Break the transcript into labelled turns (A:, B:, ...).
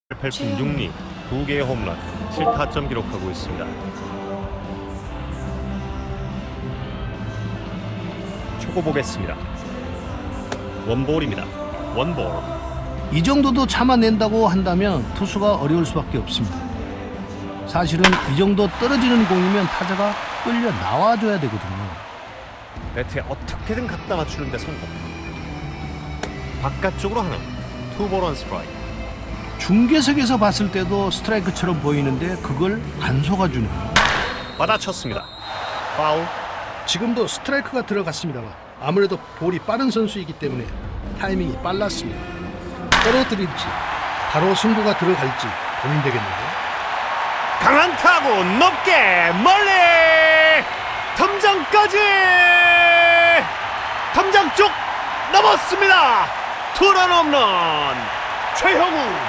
A: 8푼 6리 2개의 홈런 7타점 기록하고 있습니다. 초고 보겠습니다. 원볼입니다. 원볼.
B: 이 정도도 참아낸다고 한다면 투수가 어려울 수밖에 없습니다. 사실은 이 정도 떨어지는 공이면 타자가 끌려 나와줘야 되거든요.
A: 배트에 어떻게든 갖다 맞추는데 성공. 바깥쪽으로 하나. 투볼 원 스트라이크.
B: 중계석에서 봤을 때도 스트라이크처럼 보이는데 그걸 안 속아주네요.
A: 받아쳤습니다. 파울.
B: 지금도 스트라이크가 들어갔습니다만 아무래도 볼이 빠른 선수이기 때문에 타이밍이 빨랐습니다. 떨어뜨릴지 바로 승부가 들어갈지 고민되겠는데요.
A: 강한 타구 높게 멀리 덤장까지 덤장 쪽 넘었습니다. 투런 홈런 최형우.